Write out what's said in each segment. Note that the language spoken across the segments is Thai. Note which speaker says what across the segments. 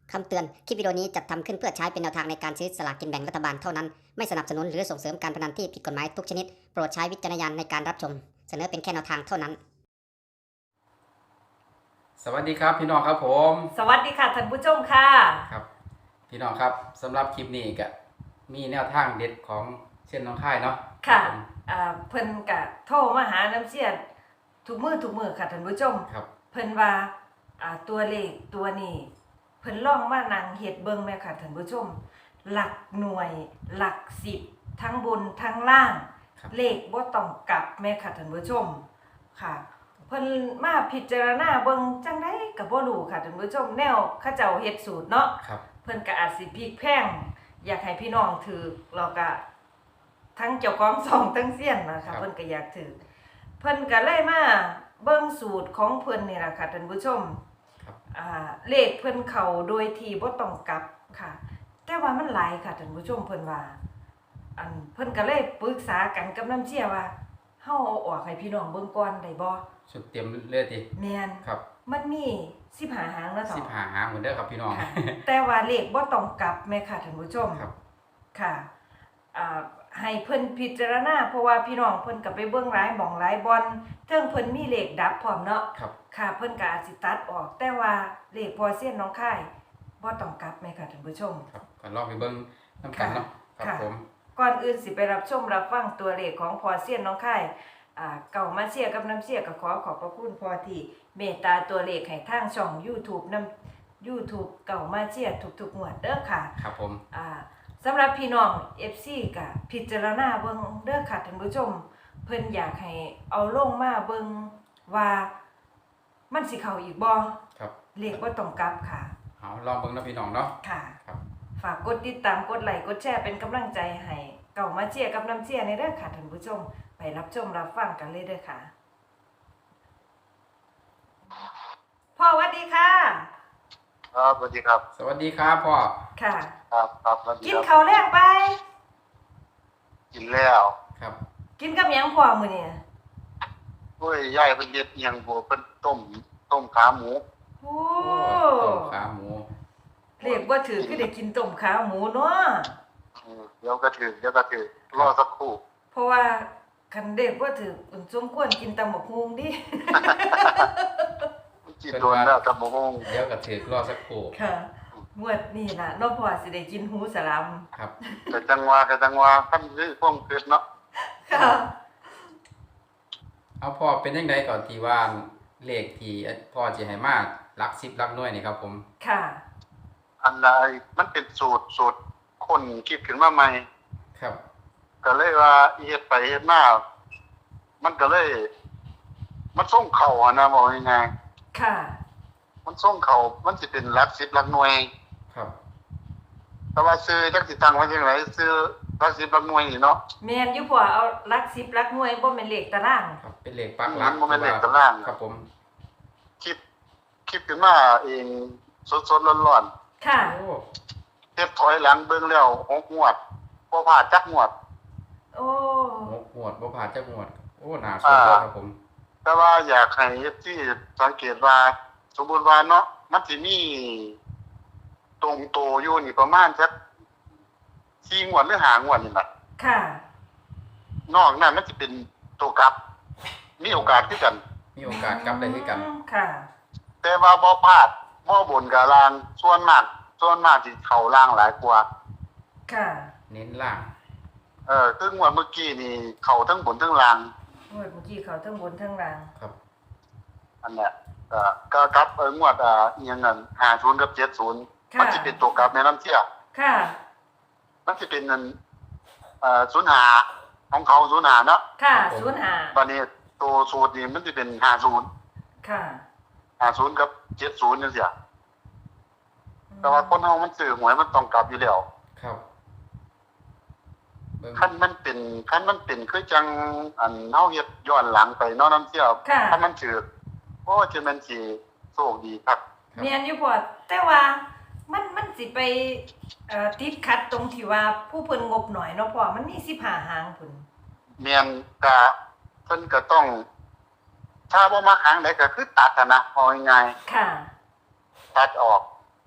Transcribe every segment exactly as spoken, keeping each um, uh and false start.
Speaker 1: คำเตือน คลิปวิดีโอนี้จัดทำขึ้นเพื่อใช้เป็นแนวทางในการซื้อสลากกินแบ่งรัฐบาลเท่านั้น ไม่สนับสนุนหรือส่งเสริมการพนันที่ผิดกฎหมายทุกชนิด โปรดใช้วิจารณญาณในการรับชม เสนอเป็นแค่แนวทางเท่านั้น
Speaker 2: สวัสดีครับพี่น้องครับผม
Speaker 3: สวัสดีค่ะท่านผู้ชมค่ะ
Speaker 2: ครับพี่น้องครับสำหรับคลิปนี้ก็มีแนวทางเด็ดของเช่นน้องค่ายเนาะ
Speaker 3: ค่ะอ่าเพิ่นกะโทรมาหาน้ำเสียทุกมือทุกมือค่ะท่านผู้ชม
Speaker 2: ครับ
Speaker 3: เพิ่นว่าอ่าตัวเลขตัวนี้เพิ่นลองมานั่งเฮ็ดเบิ่งแม่ค่ะท่านผู้ชม หลักหน่วยหลักสิบทั้งบนทั้งล่าง เลขบ่ต้องกลับแม่ค่ะท่านผู้ชมค่ะเพิ่นมาพิจารณาเบิ่งจังได๋ก็บ่รู้ค่ะท่านผู้ชมแนวเขาเจ้าเฮ็ดสูตรเนาะ
Speaker 2: ครับ
Speaker 3: เพิ่นก็อาจสิพลิกแพงอยากให้พี่น้องถือแล้วก็ทั้งเจ้าของช่องทั้งเซียนนะคะเพิ่นก็อยากถือเพิ่นก็เลยมาเบิ่งสูตรของเพิ่นนี่ล่ะค่ะท่านผู้ชม
Speaker 2: ครับ
Speaker 3: อ่าเลขเพิ่นเข้าโดยที่บ่ต้องกลับค่ะ แต่ว่ามันหลายค่ะท่านผู้ชมเพิ่นว่าอันเพิ่นก็เลยปรึกษากันกับน้ำเชี่ยว่าเฮาเอาออกให้พี่น้องเบิ่งก่อนได้บ่
Speaker 2: ชุดเตรียมเลือดดิ
Speaker 3: แม่น
Speaker 2: ครับ
Speaker 3: มันมีสิบห้าหางเนาะเถาะ
Speaker 2: สิบหาหางเหมือนเด้อครับพี่น้อง
Speaker 3: ค่ะ แต่ว่าเลขบ่ต้องกลับแม่ค่ะท่านผู้ชม
Speaker 2: ครับ
Speaker 3: ค่ะอ่าให้เพิ่นพิจารณาเพราะว่าพี่น้องเพิ่นก็ไปเบิ่งหลายหม่องหลายบ่อนเทิงเพิ่นมีเลขดับพร้อมเนาะ
Speaker 2: ครับ
Speaker 3: ค่ะเพิ่นก็อาจสิตัดออก แต่ว่าเลขพอเส้นน้องค่ายบ่ต้องกลับแม่ค่ะท่านผู้ชม
Speaker 2: ครับก็ลองไปเบิ้งน้ำกันเนาะครับ
Speaker 3: ค่ะ
Speaker 2: ผม
Speaker 3: ก่อนอื่นสิไปรับชมรับฟังตัวเลขของพอเสียนน้องค่ายอ่าเก่ามาเชียร์กับน้ำเชียร์ก็ขอขอบพระคุณพอที่เมตตาตัวเลขให้ทางช่อง YouTube นำ YouTube เก่ามาเชียร์ทุกๆงวดเด้อค่ะ
Speaker 2: ครับผม
Speaker 3: อ่าสำหรับพี่น้อง เอฟ ซี ก็พิจารณาเบิ่งเด้อค่ะท่านผู้ชม เพิ่นอยากให้เอาลงมาเบิ่งว่ามันสิเข้าอีกบ่
Speaker 2: ครับ
Speaker 3: เลขบ่ต้องกลับค่ะ
Speaker 2: เอาลองเบิ้งนะพี่น้องเนาะ
Speaker 3: ค่ะ
Speaker 2: ครับ
Speaker 3: ฝากกดติดตามกดไลค์กดแชร์เป็นกำลังใจให้เก่ามาเชียร์กับน้ำเชียร์ในเด้อค่ะท่านผู้ชม ไปรับชมรับฟังกันเลยเด้อค่ะพ่อสวัสดีค่ะ
Speaker 4: ครับสวัสดีครับ
Speaker 2: สวัสดีครับพ่อ
Speaker 3: ค่ะ
Speaker 4: ครับครับสวัสดี
Speaker 3: กิน
Speaker 4: ครับ
Speaker 3: ข้าวแลงไป
Speaker 4: กินแล้ว
Speaker 2: ครับ
Speaker 3: กินกับหยังพ่อมื้อนี้
Speaker 4: ด้วยย่ายเป็นเย็ดอิหยังบัวเป็นต้มต้มขาหมู
Speaker 3: โอ้
Speaker 2: โอ้ต้มขาหมู
Speaker 3: เรียกว่าถือคือได้กินต้มขาหมูเนาะ
Speaker 4: อืมเดี๋ยวก็ถือเดี๋ยวก็ถือรอสักครู่
Speaker 3: เพราะว่าคันเด็กว่าถืออุ่นสมควรกินตำบักฮุงดิ
Speaker 4: กินโดนแล้วกับโมง
Speaker 2: เดี๋ยวก็ถือรอสักครู่
Speaker 3: ค่ะงวดนี่ล่ะเน้องพ่อสิได้กินหูสลาม
Speaker 2: ครับ
Speaker 4: แต่จังหวะแต่จังหวะท่านนี่พ่วงเกิดเนาะ
Speaker 3: ค่ะ
Speaker 2: เอาพ่อเป็นยังไงก่อนที่ว่าเลขที่พ่อจะให้มาหลักสิบหลักหน่วยนี่ครับผม
Speaker 3: ค่ะ
Speaker 4: อันใดมันเป็นสูตรสูตรคนคิดขึ้นมาใหม่
Speaker 2: ครับ
Speaker 4: ก็เลยว่าเฮ็ดไปเฮ็ดมามันก็เลย มันส่งเข่าอะนะบอกยังไง
Speaker 3: ค่ะ
Speaker 4: มันส่งเข่ามันสิเป็นหลักสิบหลักหน่วย
Speaker 2: ครับ
Speaker 4: แต่ว่าซื้อจักสิตังไว้จังไดซื้อหลักสิบหลักหน่วยนี่เนาะ
Speaker 3: แม่นอยู่พ่อเอาหลักสิบหลักหน่วยบ่แม่นเลขตาราง
Speaker 2: ครับเป็นเลขปักหลัก
Speaker 4: มันบ่แม่นเลขตาราง
Speaker 2: ครับผม
Speaker 4: คิดคิดขึ้นมาเองสดๆร้อน
Speaker 3: ค่ะ
Speaker 2: โอ้
Speaker 4: ๆเฮ็ดถอยหลังเบิ่งแล้วหกงวดบ่พลาดจักงวด
Speaker 3: โอ้
Speaker 2: หกหมวดบ่ผ่านจักหมวด โอ้หนาสุดเลยครับผม
Speaker 4: แต่ว่าอยากให้ที่สังเกตว่า สมมุติว่าเนาะมันสิมีตรงโตอยู่นี่ประมาณสักสี่งวดหรือห้างวดนี่ล่ะ
Speaker 3: ค่ะ
Speaker 4: นอกนั้นมันสิเป็นตัวกลับ มีโอกาสคือกัน
Speaker 2: มีโอกาสกลับได้คือกัน
Speaker 3: อืมค่ะ
Speaker 4: แต่ว่าบ่พลาดบ่บนกับล่างส่วนมากส่วนมากสิเข้าล่างหลายกว่า
Speaker 3: ค่ะ
Speaker 2: เน้นล่าง
Speaker 4: เออซึ่งว่าเมื่อกี้นี่เข้าทั้งบนทั้งล่าง
Speaker 3: งวดเมื่อกี้เขาทั้งบนทั้งล่าง
Speaker 2: ครับ
Speaker 4: อันเนี้ยก็ก็กลับเอองวดอ่าอีหยังนั่นห้าสิบกับเจ็ดสิบ
Speaker 3: ค่ะ
Speaker 4: มันสิเป็นตัวกลับในน้ำเที่ย
Speaker 3: ค่ะ
Speaker 4: มันสิเป็นนั่นเอ่อศูนย์ห้าของเขาศูนย์ห้าเนาะ
Speaker 3: ค่ะ
Speaker 2: ครับผม
Speaker 3: ศูนย์ห้า
Speaker 4: บัดนี้ตัวสูตรนี่มันสิเป็นห้าสิบ
Speaker 3: ค่ะ
Speaker 4: ห้าสิบกับเจ็ดสิบจังซี่แต่ว่าคนเฮามันซื้อหวยมันต้องกลับอยู่แล้ว
Speaker 2: ครับเบิ่ง
Speaker 4: คันมันเป็นคันมันเป็นคือจังอันเฮาเฮ็ดย้อนหลังไปเนาะน้ำเที่ยว
Speaker 3: ค่ะ
Speaker 4: ถ้ามันถือโอ้จะมันสิโชคดีครับ
Speaker 3: เมียนอยู่พอแต่ว่ามันมันสิไปเอ่อติดขัดตรงที่ว่าผู้เพิ่นงบหน่อยเนาะพ่อมันมีสิบห้าหางพุ่น
Speaker 4: แม่นก็เพิ่นก็ต้อง ถ้าบ่มาครั้งใดก็คือตัดอะนะเอาง่าย
Speaker 3: ค่ะ
Speaker 4: ๆตัดออก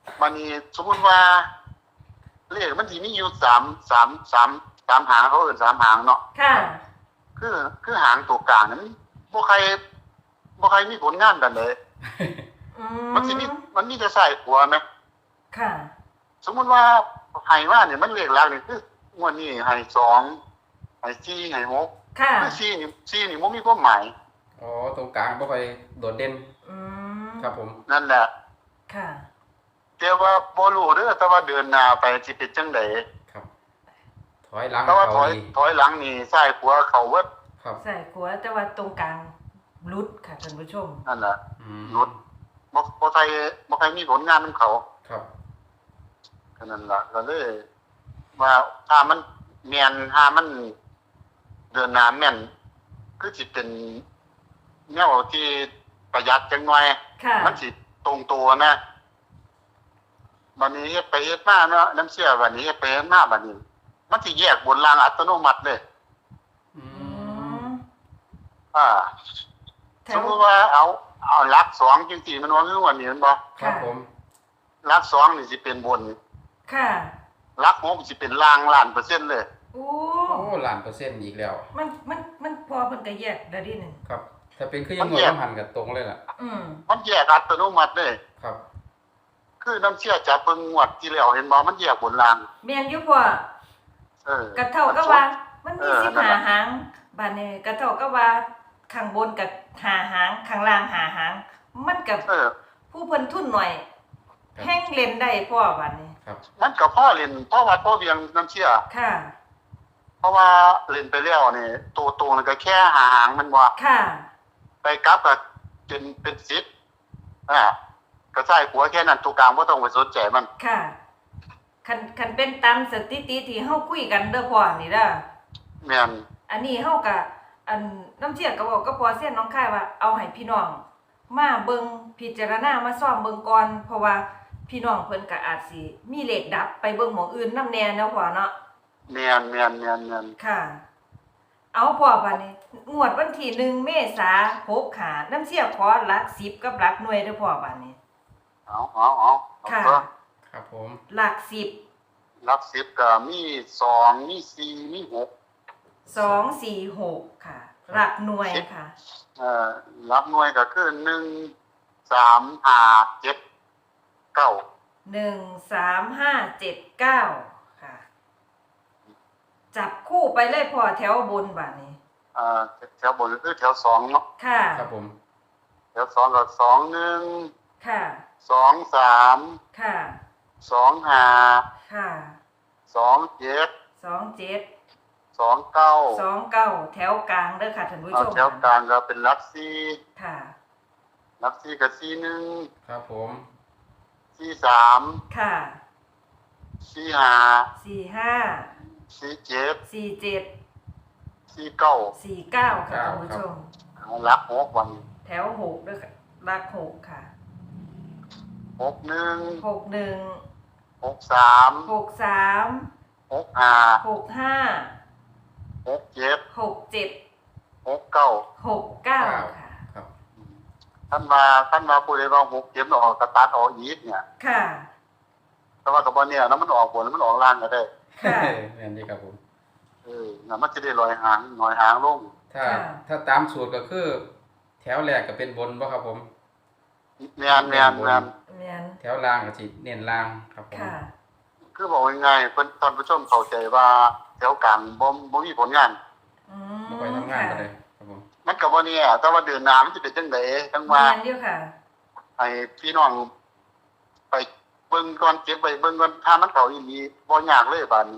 Speaker 4: มันนี่สมมุติว่าเลขมันสิมีอยู่สามสามสามสามหางเขาเอิ้นสามหางเนาะ
Speaker 3: ค่ะ
Speaker 4: คือคือหางตัวกลางนั้นบ่ใครบ่ใครมีผลงานกันเลย
Speaker 3: อื
Speaker 4: มันสิมีมันมีแต่ใส่หัวไหม
Speaker 3: ค่ะ
Speaker 4: สมมุติว่าให้ว่าเนี่ยมันเลขหลักนี่คืองวดนี้ให้สองให้สี่ให้หก
Speaker 3: ค่ะ
Speaker 4: คือสี่นี่สี่นี่บ่มีความหมาย
Speaker 2: อ๋อตรงกลางบ่ค่อยโดดเด่น
Speaker 3: อืม
Speaker 2: ครับผม
Speaker 4: นั่นแหละ
Speaker 3: ค่ะ
Speaker 4: แต่ว่าบ่รู้เด้อแต่ว่าเดินหน้าไปสิเป็นจังได๋
Speaker 2: ครับ ถอยหลัง
Speaker 4: แต่ว่าถ
Speaker 2: เขา
Speaker 4: อย
Speaker 2: ดี
Speaker 4: ถอยหลังนี่ซ้ายขวาเข้าเบิด
Speaker 2: ครับ
Speaker 3: ใส่ขัวแต่ว่าตรงกลางรุดค่ะท่านผู้ชม
Speaker 4: นั่นแหละ
Speaker 2: อืม
Speaker 4: รถ บ่บ่ใครบ่ใครมีผลงานนำเขา
Speaker 2: ครับ
Speaker 4: ก็นั่นล่ะก็เลยว่าถ้ามันแม่นถ้ามันเดินหน้าแม่นคือสิเป็นแนวที่ประหยัดจังหน่อย
Speaker 3: ค่ะ
Speaker 4: มันสิตรงตัวนะบัดนี้เฮ็ดไปเฮ็ดมาเนาะน้ำเชื่อบัดนี้เฮ็ดไปเฮ็ดมาบัดนี้ มันสิแยกบนรางอัตโนมัติเลย
Speaker 2: อื
Speaker 3: อื
Speaker 2: ม
Speaker 3: ม
Speaker 4: อ่า
Speaker 3: แถ
Speaker 4: สม
Speaker 3: ว
Speaker 4: มุติว่าเอาเอาหลักสองจังซี่มันว่าคือวันนี้แม่นบ่
Speaker 2: ครับผม
Speaker 4: หลักสองนี่สิเป็นบน
Speaker 3: ค่ะ
Speaker 4: หลักหกสิเป็นล่างล้านเปอร์เซ็นต์เลย
Speaker 3: โอ้
Speaker 2: โอ้ล้านเปอร์เซ็นต์อีกแล้ว
Speaker 3: มันมันมันพอเพิ่นก็แยกได้ดิหนึง
Speaker 2: ครับ ถ้าเป็นคือยังงวดต้องหันกับตรงเลยล่ะ
Speaker 3: อืม
Speaker 4: มันแยกอัตโนมัติเลย
Speaker 2: ครับ
Speaker 4: คือน้ำเชื่อจับเบิ่งงวดที่แล้วเห็นบ่มันแยกบนราง
Speaker 3: แม่นอยู่พ่อ
Speaker 4: เออ
Speaker 3: กระเท่าก็ว่า มันมี
Speaker 4: เออ
Speaker 3: สิบ
Speaker 4: นั่น
Speaker 3: หา
Speaker 4: ล่ะ
Speaker 3: หางบาดนี้กระเท่าก็ว่าข้างบนกับหาหางข้างล่างหาหาง มันกับ
Speaker 4: เออ
Speaker 3: ผู้เพิ่นทุนหน่อย
Speaker 2: ครับ
Speaker 3: แห้งเล่นได้พ่อบัดนี้
Speaker 2: ครับ
Speaker 4: มันก็พ่อเล่นพ่อวัดพ่อเวียงน้ำเชื่อ
Speaker 3: ค่ะ
Speaker 4: เพราะว่าเล่นไปแล้วนี่ตัวตรงนี่ก็แค่หางมันว่า
Speaker 3: ค่ะ
Speaker 4: ไปกลับก็เป็นเป็นสิบอ่าก็ใช่หัวแค่นั้นตัวกลางบ่ต้องไปสนใจมัน
Speaker 3: ค่ะ คันคันเป็นตามสถิติที่เฮาคุยกันเด้อพ่อนี่เด้อ
Speaker 4: แม่น
Speaker 3: อันนี้เฮาก็อันน้ำเชี่ยก็บอกก็พอเส้นน้องค่ายว่าเอาให้พี่น้อง มาเบิ่งพิจารณามาซ่อมเบิ่งก่อนเพราะว่าพี่น้องเพิ่นก็อาจสิมีเลขดับไปเบิ่งหม้องอื่นนำแน่เนาะพ่อเนาะ
Speaker 4: แม่นแม่นแม่นแม่น
Speaker 3: ค่ะ เอาพ่อบัดนี้งวดวันที่หนึ่งเมษาหกขาน้ำเชี่ยขอหลักสิบกับหลักหน่วยเด้อพ่อบัดนี้
Speaker 4: เอาเอาเอาเอา
Speaker 3: ค่ะ
Speaker 4: เถอะ
Speaker 2: ครับผม
Speaker 3: หลักสิบ
Speaker 4: หลักสิบก็มีสองมีสี่มีหก
Speaker 3: สองสี่หกค่ะ หลักหน่วยค่ะ
Speaker 4: เอ่อหลักหน่วยก็คือหนึ่งสามห้าเจ็ดเก้า
Speaker 3: หนึ่งสามห้าเจ็ดเก้าค่ะ จับคู่ไปเลยพ่อแถวบนบัดนี้
Speaker 4: เอ่อแถวบนก็คือแถวสองเนาะ
Speaker 3: ค่ะ
Speaker 2: ครับผม
Speaker 4: แถวสองก็สองหนึ่ง
Speaker 3: ค่ะ
Speaker 4: สองสาม
Speaker 3: ค่ะ
Speaker 4: สองห้า
Speaker 3: ค่ะ
Speaker 4: สองเจ็ด
Speaker 3: สองเจ็ด
Speaker 4: สองเก้า
Speaker 3: สองเก้าแถวกลางเด้อค่ะท่านผู้
Speaker 4: เอา
Speaker 3: ชม
Speaker 4: แถวกลางก็เป็นหลักสี่
Speaker 3: ค่ะ
Speaker 4: หลักสี่กับสี่หนึ่ง
Speaker 2: ครับผม
Speaker 4: สี่สาม
Speaker 3: ค่ะ
Speaker 4: สี่ห้า
Speaker 3: สี่ห้า
Speaker 4: สี่เจ็ด
Speaker 3: สี่เจ็ด
Speaker 4: สี่เก้า
Speaker 3: สี่เก้าค่ะท่านผู้ชม
Speaker 4: เอาหลักหกวัน
Speaker 3: แถวหกเด้อค่ะหลักหกค่ะ
Speaker 4: หกหนึ่ง
Speaker 3: หกหนึ่ง
Speaker 4: หกสาม
Speaker 3: หกสาม
Speaker 4: หกห้า
Speaker 3: หกห้า
Speaker 4: หกเจ็ด
Speaker 3: หกเจ็ด
Speaker 4: หกเก้า
Speaker 3: หกเก้าค่ะ
Speaker 2: ครับ
Speaker 4: ท่านมาท่านมาพูดเลยว่าหกเจ็ดมันออกกระตัดออกอีกเนี่ย
Speaker 3: ค่ะ
Speaker 4: แต่ว่ากับบอลเนี่ยแล้วมันออกบนแล้วมันออกล่างก็ได้
Speaker 3: ค่ะ
Speaker 2: แม่นดีครับผม
Speaker 4: เออน่ะมันจะได้ลอยหางลอยหางลง
Speaker 2: ถ้า
Speaker 3: ค่ะ
Speaker 2: ถ้าตามสูตรก็คือ แถวแรกก็เป็นบนบ่ครับผม
Speaker 4: แมนแมนแมน
Speaker 3: แม่น
Speaker 2: แถวล่างก็สิเน้นล่างครับผม
Speaker 3: ค่ะ
Speaker 4: คือบอกง่ายๆเพิ่นท่านผู้ชมเข้าใจว่าแถวกลางบ่บ่มีผลงาน
Speaker 3: อืม
Speaker 2: บ่ค่อยทำงานกันเลยครับผม
Speaker 4: มันก็บ่เนี่ยแต่ว่าเดินหน้ามันสิเป็นจังไดจังว่า
Speaker 3: แม่นเดียวค่ะ
Speaker 4: ให้พี่น้องไปเบิ่งก่อนเก็บไว้เบิ่งก่อนถ้ามันเข้าอีหลีบ่ยากเลยบาดนี้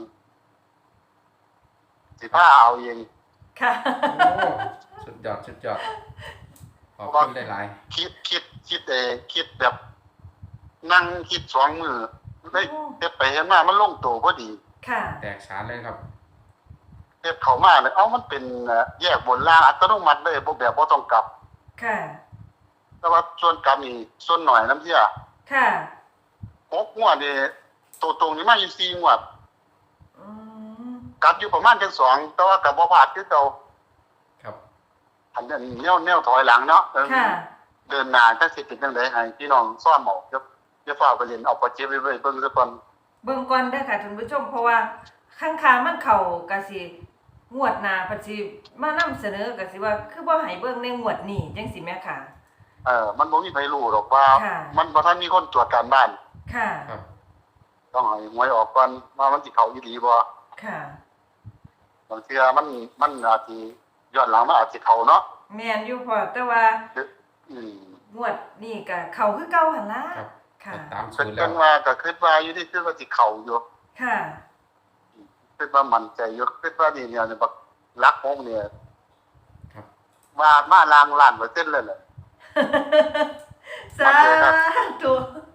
Speaker 4: สิพาเอาเอง
Speaker 3: ค่ะ
Speaker 2: โอ้สุดยอดสุดยอดขอบคุณหลาย
Speaker 4: คิดคิดคิดเออคิดแบบ นั่งคิดสองมือได้เฮ็ดไปเฮ็ดมามันลงตัวพอดี
Speaker 3: ค่ะ
Speaker 2: ๆแตกฉานเลยครับ
Speaker 4: เฮ็ดเข้ามาเลยเอ้ามันเป็นเอ่อแยกบนล่างอัตโนมัติเลยบ่แบบบ่ต้องกลับ
Speaker 3: ค่ะ
Speaker 4: แต่ว่าส่วนกลับนี่ส่วนหน่อยน้ำเสีย
Speaker 3: ค่ะ
Speaker 4: หกงวดนี่ตัวตรงนี่มาอยู่สี่งวด
Speaker 3: อืม
Speaker 4: กลับอยู่ประมาณจังสองแต่ว่าก็บ่พลาดคือเก่า
Speaker 2: ครับ
Speaker 4: อันนั้นแนวแนวถอยหลังเนาะเออ
Speaker 3: ค่ะ
Speaker 4: เดินหน้าจังสิเป็นจังได๋ให้พี่น้องซ้อมเอาครับอย่าฟ้าวไปเล่นเอาปัจเจกไปไว้เบิ่งซะก่อน
Speaker 3: เบิ่งก่อนเด้อค่ะท่านผู้ชมเพราะว่าข้างคามันเข้าก็สิงวดหน้าเพิ่นสิมานำเสนอก็สิว่าคือบ่ให้เบิ่งในงวดนี้จังซี่แม่ค่ะ
Speaker 4: เออมันบ่มีใครรู้หรอกว่า
Speaker 3: ค่ะ
Speaker 4: มันบ่ทันมีคนตรวจการบ้าน
Speaker 3: ค่ะ
Speaker 2: ครับ
Speaker 4: ต้องให้หวยออกก่อนว่ามันสิเข้าอีหลีบ่
Speaker 3: ค่ะ
Speaker 4: บางเทื่อมันมันอาจสิย้อนหลังมันอาจสิเข้าเนาะ
Speaker 3: แม่นอยู่พอแต่ว่า
Speaker 4: อืม
Speaker 3: งวดนี้ก็เข้าคือเก่าหั่นล่ะ
Speaker 2: ครับ
Speaker 3: ค่ะ
Speaker 2: ตาม
Speaker 4: เป็
Speaker 2: สู
Speaker 4: น
Speaker 2: ตรแล้
Speaker 4: จั
Speaker 2: ว
Speaker 4: งว่าก็คิดว่าอยู่ที่คิดว่าสิเข้าอยู่
Speaker 3: ค่ะ
Speaker 4: คิดว่ามั่นใจอยู่คิดว่านี่เนี่ยบักลักหกเนี่ย
Speaker 2: ครับ
Speaker 4: ว่ามาล้างล้านเปอร์เซ็นต์เลยแหละ
Speaker 3: สาธุ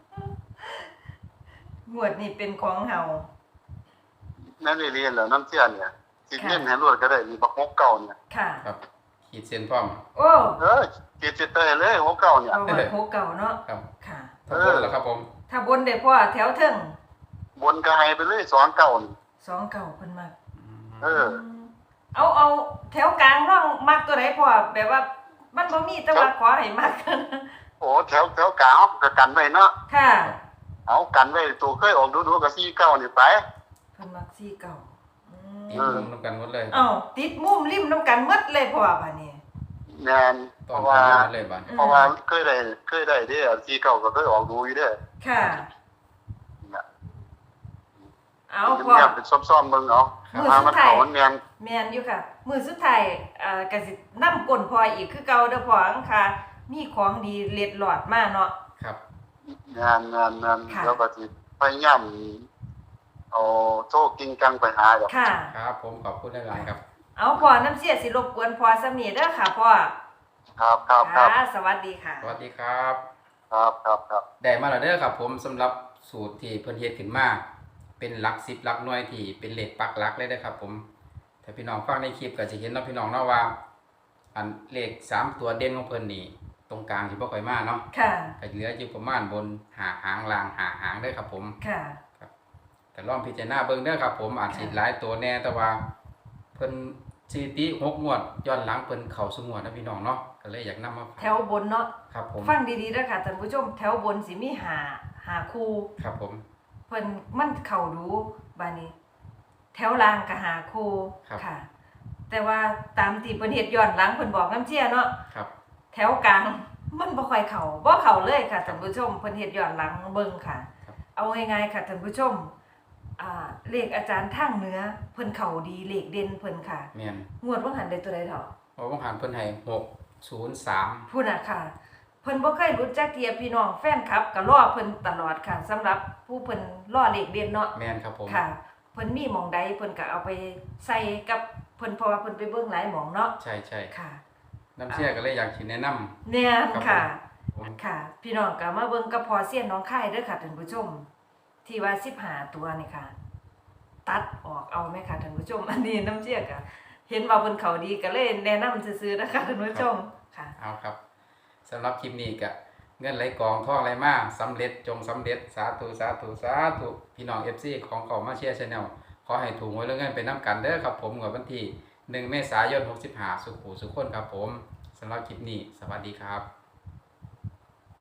Speaker 3: งวดนี้เป็นของเฮา
Speaker 4: นั่นนี่เรียนแล้วน้ำเชื่อเนี่ยสิ
Speaker 3: ค่ะ
Speaker 4: เล่นให้รวดก็ได้มีบักหกเก่าเนี่ย
Speaker 3: ค่ะ
Speaker 2: ครับขีดเส้นพร้อม
Speaker 3: โอ้
Speaker 4: เออขีดสิเตยเลยหกเก่าเนี่ย
Speaker 3: เอาไว้โคเก่าเนาะ
Speaker 2: ครับ
Speaker 3: ค่ะ
Speaker 2: ทั้งหมดแล้วครับผม
Speaker 3: ถ้าบนได้พ่อแถวเทิง
Speaker 4: บนก็ให้ไปเลยสองเก่านี่
Speaker 3: สองเก่าเพิ่นมัก
Speaker 4: เออ
Speaker 3: เอาเอาแถวกลางร่องมักตัวไหนพ่อแบบว่า มันบ่มีแต่ว่าขอให้มัก
Speaker 4: โอ้แถวแถวกลางเขาก็กันไว้เนาะ
Speaker 3: ค่ะ
Speaker 4: เอากันไว้ตัวเคยออกดูๆกับสี่เก่านี่ไป
Speaker 3: เพิ่นมักสี่เก่าอืม
Speaker 2: ตีมุมน้ำกันหมดเลย
Speaker 3: เอ้าติดมุมริมน้ำกันหมดเลยพ่อบัดนี้
Speaker 4: แน่นเพ
Speaker 2: ตอน
Speaker 4: ราะ
Speaker 2: กัน
Speaker 4: ว่า
Speaker 2: หมดเลยบ้าน
Speaker 3: อืม
Speaker 4: เพราะว่าเคยได้เคยได้เด้อสี่เก่าก็เคยออกดูอยู่เด้อ
Speaker 3: ค่ะ
Speaker 4: เนี่ย
Speaker 3: เอาพ่อ
Speaker 4: เงียบๆเป็นซ่อมๆเบิ่งเอา
Speaker 3: มือ
Speaker 4: มา
Speaker 3: สุ
Speaker 4: มั
Speaker 3: ด
Speaker 4: น
Speaker 3: ท้าย
Speaker 4: เขามันแม่น
Speaker 3: แม่นอยู่ค่ะ มือสุดท้ายเอ่อก็สินำก้นพ่ออีกคือเก่าเด้อพ่ออังค่ะ มีของดีเล็ดหลอดมาเนาะ
Speaker 2: ครับ
Speaker 4: งานงานงาน
Speaker 3: ค่ะ
Speaker 4: แล้วก็สิพยายามเอาโชคกิงกังไปหาดอก
Speaker 3: ค่ะ
Speaker 2: ครับผมขอบคุณหลายๆครับ
Speaker 3: เอาพ่อน้ำเสียสิรบกวนพ่อสำนีเด้อค่ะพ่อ
Speaker 4: ครับครับครับ
Speaker 3: ค่ะสวัสดีค่ะ
Speaker 2: สวัสดีครับ
Speaker 4: ครับครับครับ
Speaker 2: ได้มาแล้วเด้อครับผมสำหรับสูตรที่เพิ่นเฮ็ดขึ้นมาเป็นหลักสิบหลักหน่วยที่เป็นเลขปักหลักเลยเด้อครับผมถ้าพี่น้องฟังในคลิปก็จะเห็นเนาะพี่น้องเนาะว่า อันเลขสามตัวเด่นของเพิ่นนี่ตรงกลางสิบ่ค่อยมาเนาะ
Speaker 3: ค่ะ
Speaker 2: ก็เหลืออยู่ประมาณบนหาหางล่างหาหางเด้อครับผม
Speaker 3: ค่ะ
Speaker 2: แต่ลองพิจารณาเบิ่งเด้อครับผมอาจสิหลายตัวแน่แต่ว่าเพิ่นสถิติหกงวดย้อนหลังเพิ่นเข้าสู่งวดนะพี่น้องเนาะก็เลยอยากนำมาฝาก
Speaker 3: แถวบนเนาะ
Speaker 2: ครับผม
Speaker 3: ฟังดีๆเด้อค่ะท่านผู้ชม แถวบนสิมีหาหาคู่
Speaker 2: ครับผม
Speaker 3: เพิ่นมันเข้าดูบาดนี้ แถวล่างก็หาคู่ค่ะ แต่ว่าตามที่เพิ่นเฮ็ดย้อนหลังเพิ่นบอกน้ำเชี่ยเนาะ
Speaker 2: ครับ
Speaker 3: แถวกลางมันบ่ค่อยเข้าบ่เข้าเลยค่ะท่านผู้ชมเพิ่นเฮ็ดย้อนหลังเบิ่งค่ะ เอาง่ายๆค่ะท่านผู้ชมอ่าเลขอาจารย์ทางเหนือเพิ่นเข้าดีเลขเด่นเพิ่นค่ะ
Speaker 2: แม่น
Speaker 3: งวดว่าหันได้ตัวใดเถาะ
Speaker 2: โอ้บ่หันเพิ่นให้หกศูนย์สาม
Speaker 3: พูดน่ะค่ะ เพิ่นบ่เคยรู้จักเทียพี่น้องแฟนคลับก็รอเพิ่นตลอดค่ะสำหรับผู้เพิ่นรอเลขเด่นเนาะ
Speaker 2: แม่นครับผม
Speaker 3: ค่ะ เพิ่นมีหม่องใดเพิ่นก็เอาไปใส่กับเพิ่นเพราะว่าเพิ่นไปเบิ่งหลายหม่องเนาะ
Speaker 2: ใช่ใช่
Speaker 3: ค่ะ
Speaker 2: น้ำเชื่อก็เลยอยากสิแนะนำ
Speaker 3: เนี่ย
Speaker 2: ครับ
Speaker 3: ค่ะ
Speaker 2: ผม
Speaker 3: ค่ะ พี่น้องก็มาเบิ่งกับพอเสี้ยนน้องค่ายเด้อค่ะท่านผู้ชม ที่ว่าสิบห้าตัวนี่ค่ะ ตัดออกเอาไหมค่ะท่านผู้ชม อันนี้น้ำเชี่ยก็เห็นว่าเพิ่นเขาดีก็เลยแนะนำซื่อๆนะคะท่านผู้ชมค่ะ
Speaker 2: เอาครับสำหรับคลิปนี้ก็เงินไหลกองท่องไหลมาสำเร็จจงสำเร็จสาธุสาธุสาธุพี่น้อง เอฟ ซี ของเขามาเชียร์ Channel ขอให้ถูกหวยและเงินไปนํกันเด้อครับผมงวดวันที่หนึ่งเมษายนหกสิบห้าสุขหูสุขคนครับผมสำหรับคลิปนี้สวัสดีครับ